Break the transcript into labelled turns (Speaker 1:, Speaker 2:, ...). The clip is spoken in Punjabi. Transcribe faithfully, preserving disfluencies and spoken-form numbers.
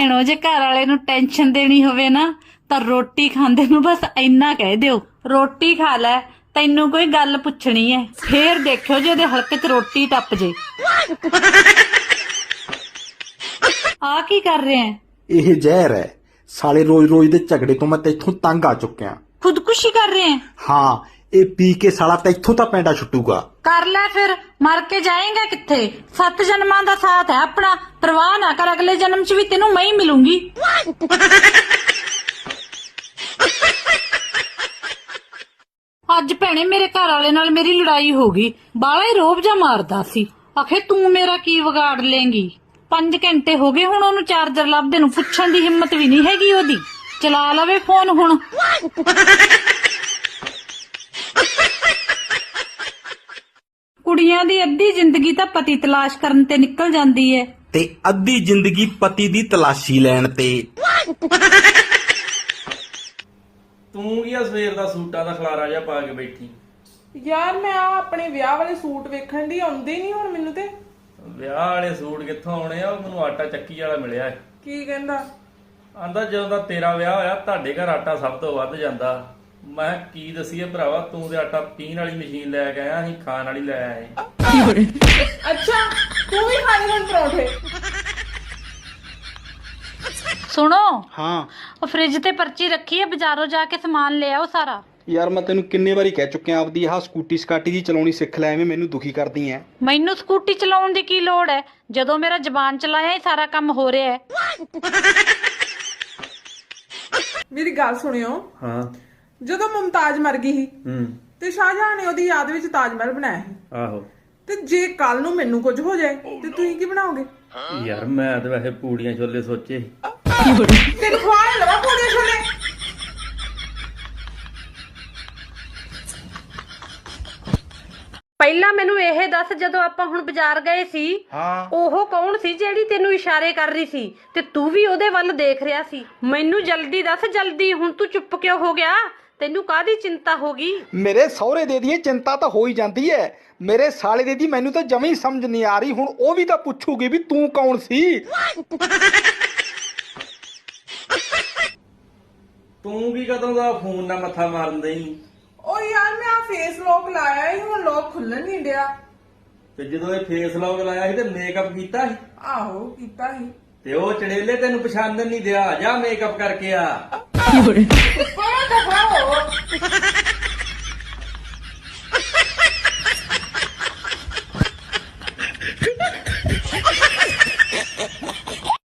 Speaker 1: ਭੈਣੋ ਜੇ ਘਰ ਵਾਲੇ ਨੂੰ ਟੈਨਸ਼ਨ ਦੇਣੀ ਹੋਵੇ ਨਾ ਤਾਂ ਰੋਟੀ ਖਾਂਦੇ ਨੂੰ ਬਸ ਇੰਨਾ ਕਹਿ ਦਿਓ, ਰੋਟੀ ਖਾ ਲੈ, ਤੈਨੂੰ ਕੋਈ ਗੱਲ ਪੁੱਛਣੀ ਹੈ। ਫੇਰ ਦੇਖਿਓ ਜੇ ਉਹਦੇ ਹਲਕ 'ਚ ਰੋਟੀ ਟੱਪ ਜੇ। ਆ ਕੀ ਕਰ ਰਹੇ ਹੈ?
Speaker 2: ਇਹ ਜ਼ਹਿਰ ਹੈ ਸਾਲੇ, ਰੋਜ਼ ਰੋਜ਼ ਦੇ ਝਗੜੇ ਤੋਂ ਮੈਂ ਤੈਥੋਂ ਤੰਗ ਆ ਚੁੱਕਿਆ।
Speaker 1: ਖੁਦਕੁਸ਼ੀ ਕਰ ਰਹੇ ਹੈ?
Speaker 2: ਹਾਂ, ਇਹ ਪੀ ਕੇ ਸਾਲਾ ਤੈਥੋਂ ਤਾਂ ਪੈਂਡਾ ਛੁੱਟੂਗਾ।
Speaker 1: ਕਰ ਲੈ ਫਿਰ, ਮਰ ਕੇ ਜਾਏਗਾ ਕਿੱਥੇ? ਸੱਤ ਜਨਮਾਂ ਦਾ ਸਾਥ ਹੈ ਆਪਣਾ, ਪਰਵਾਹ ਨਾ ਕਰ, ਅਗਲੇ ਜਨਮ 'ਚ ਵੀ ਤੈਨੂੰ ਮੈਂ ਹੀ ਮਿਲੂੰਗੀ। ਅੱਜ ਭੈਣੇ ਮੇਰੇ ਘਰ ਵਾਲੇ ਨਾਲ ਮੇਰੀ ਲੜਾਈ ਹੋ ਗਈ, ਬਾਲਾ ਹੀ ਰੋਬ ਜਾ ਮਾਰਦਾ ਸੀ। ਆਖੇ ਤੂੰ ਮੇਰਾ ਕੀ ਵਿਗਾੜ ਲੇਂਗੀ। ਪੰਜ ਘੰਟੇ ਹੋ ਗਏ ਹੁਣ ਉਹਨੂੰ ਚਾਰਜਰ ਲੱਭਦੇ ਨੂੰ, ਪੁੱਛਣ ਦੀ ਹਿੰਮਤ ਵੀ ਨਹੀਂ ਹੈਗੀ ਉਹਦੀ। ਚਲਾ ਲਵੇ ਫੋਨ ਹੁਣ। ਕੁੜੀਆਂ ਦੀ ਅੱਧੀ ਜ਼ਿੰਦਗੀ ਤਾਂ ਪਤੀ ਤਲਾਸ਼ ਕਰਨ ਤੇ ਨਿਕਲ ਜਾਂਦੀ ਹੈ,
Speaker 2: ਤੇ ਅੱਧੀ ਜ਼ਿੰਦਗੀ ਪਤੀ ਦੀ ਤਲਾਸ਼ੀ ਲੈਣ ਤੇ।
Speaker 3: ਤੂੰ ਕੀ ਆ ਸਵੇਰ ਦਾ ਸੂਟਾਂ ਦਾ ਖਲਾਰਾ ਜਿਹਾ ਪਾ ਕੇ ਬੈਠੀ?
Speaker 4: ਯਾਰ ਮੈਂ ਆ ਆਪਣੇ ਵਿਆਹ ਵਾਲੇ ਸੂਟ ਵੇਖਣ ਦੀ, ਆਉਂਦੇ ਨਹੀਂ ਹੁਣ ਮੈਨੂੰ ਤੇ।
Speaker 3: ਵਿਆਹ ਵਾਲੇ ਸੂਟ ਕਿੱਥੋਂ ਆਉਣੇ ਆ? ਉਹ ਮੈਨੂੰ ਆਟਾ ਚੱਕੀ ਵਾਲਾ ਮਿਲਿਆ।
Speaker 4: ਕੀ ਕਹਿੰਦਾ?
Speaker 3: ਆਂਦਾ ਜਦੋਂ ਦਾ ਤੇਰਾ ਵਿਆਹ ਹੋਇਆ ਤੁਹਾਡੇ ਘਰ ਆਟਾ ਸਭ ਤੋਂ ਵੱਧ ਜਾਂਦਾ। ਮੈਂ ਕੀ ਦਸੀਏ ਭਰਾਵਾ, ਤੂੰ ਤੇ ਆਟਾ ਪੀਣ ਵਾਲੀ ਮਸ਼ੀਨ ਲੈ ਕੇ ਆਇਆ, ਅਸੀਂ ਖਾਣ ਵਾਲੀ ਲੈ ਆਏ।
Speaker 4: ਅੱਛਾ, ਤੂੰ ਵੀ ਖਾਣੇ ਹੁਣ ਪਰੌਂਠੇ?
Speaker 1: ਸੁਣੋ,
Speaker 5: ਹਾਂ
Speaker 1: ਉਹ ਫ੍ਰਿਜ ਤੇ ਪਰਚੀ ਰੱਖੀ ਹੈ, ਬਾਜ਼ਾਰੋਂ ਜਾ ਕੇ ਸਮਾਨ ਲੈ ਆਓ ਸਾਰਾ।
Speaker 5: ਯਾਰ ਮੈਂ ਤੈਨੂੰ ਕਿੰਨੇ ਵਾਰੀ ਕਹਿ ਚੁੱਕਿਆ ਆਪਦੀ ਆਹ ਸਕੂਟੀ ਸਕਾਟੀ ਦੀ ਚਲਾਉਣੀ ਸਿੱਖ ਲੈ, ਐਵੇਂ ਮੈਨੂੰ ਦੁਖੀ ਕਰਦੀ ਐ।
Speaker 1: ਮੈਨੂੰ ਸਕੂਟੀ ਚਲਾਉਣ ਦੀ ਕੀ ਲੋੜ ਹੈ ਜਦੋਂ ਮੇਰਾ ਜ਼ਬਾਨ ਚਲਾਇਆ ਹੀ ਸਾਰਾ ਕੰਮ ਹੋ ਰਿਹਾ ਹੈ।
Speaker 4: ਮੇਰੀ ਗੱਲ ਸੁਣਿਓ।
Speaker 3: ਹਾਂ।
Speaker 4: ਜਦੋਂ ਮੁਮਤਾਜ਼ ਮਰ ਗਈ ਸੀ
Speaker 3: ਹੂੰ।
Speaker 4: ਤੇ ਸ਼ਾਹਜਹਾਨ ਨੇ ਉਹਦੀ ਯਾਦ ਵਿੱਚ ਤਾਜ ਮਹਿਲ ਬਣਾਇਆ ਸੀ।
Speaker 3: ਆਹੋ।
Speaker 4: ਤੇ ਜੇ ਕੱਲ ਨੂੰ ਮੈਨੂੰ ਕੁਝ ਹੋ ਜਾਏ ਤੇ ਤੁਸੀਂ ਕੀ ਬਣਾਓਗੇ?
Speaker 3: ਯਾਰ ਮੈਂ ਤਾਂ ਵੈਸੇ ਪੂੜੀਆਂ ਛੋਲੇ ਸੋਚੇ।
Speaker 4: ਤੈਨੂੰ ਖਵਾ ਲਵਾ ਪੂੜੇ ਛੋਲੇ।
Speaker 1: ਪਹਿਲਾਂ ਮੈਨੂੰ ਇਹ ਦੱਸ, ਜਦੋਂ ਆਪਾਂ ਹੁਣ ਬਾਜ਼ਾਰ ਗਏ ਸੀ,
Speaker 5: ਹਾਂ
Speaker 1: ਉਹ ਕੌਣ ਸੀ ਜਿਹੜੀ ਤੈਨੂੰ ਇਸ਼ਾਰੇ ਕਰ ਰਹੀ ਸੀ ਤੇ ਤੂੰ ਵੀ ਉਹਦੇ ਵੱਲ ਦੇਖ ਰਿਹਾ ਸੀ? ਮੈਨੂੰ ਜਲਦੀ ਦੱਸ, ਜਲਦੀ। ਹੁਣ ਤੂੰ ਚੁੱਪ ਕਿਉਂ ਹੋ ਗਿਆ? ਤੈਨੂੰ ਕਾਹਦੀ ਚਿੰਤਾ ਹੋ ਗਈ?
Speaker 5: ਮੇਰੇ ਸਹੁਰੇ ਦੇ ਦੀ ਚਿੰਤਾ ਤਾਂ ਹੋ ਹੀ ਜਾਂਦੀ ਐ, ਮੇਰੇ ਸਾਲੇ ਦੇ ਦੀ ਮੈਨੂੰ ਤਾਂ ਜਮੀ ਸਮਝ ਨਹੀਂ ਆ ਰਹੀ। ਹੁਣ ਉਹ ਵੀ ਤਾਂ ਪੁੱਛੂਗੀ ਵੀ ਤੂੰ ਕੌਣ ਸੀ।
Speaker 3: ਤੂੰ ਕੀ ਕਦੋਂ ਦਾ ਫੋਨ ਨਾਲ ਮੱਥਾ ਮਾਰਨ ਦੇਈ?
Speaker 4: ਓ ਯਾਰ ਮੈਂ ਆ ਫੇਸ ਲੋਕ ਲਾਇਆ ਸੀ, ਹੁਣ ਲੋਕ ਖੁੱਲਣ ਨਹੀਂ ਡਿਆ।
Speaker 3: ਤੇ ਜਦੋਂ ਇਹ ਫੇਸ ਲੌਕ ਲਾਇਆ ਸੀ ਤੇ ਮੇਕਅਪ ਕੀਤਾ ਸੀ?
Speaker 4: ਆਹੋ ਕੀਤਾ ਸੀ।
Speaker 3: ਤੇ ਉਹ ਚੜੇਲੇ ਤੈਨੂੰ ਪਛਾਣਨ ਨਹੀਂ ਦਿਆ, ਜਾ ਮੇਕਅਪ ਕਰਕੇ ਆ।
Speaker 4: ਪਰ ਦਫਾ ਹੋ।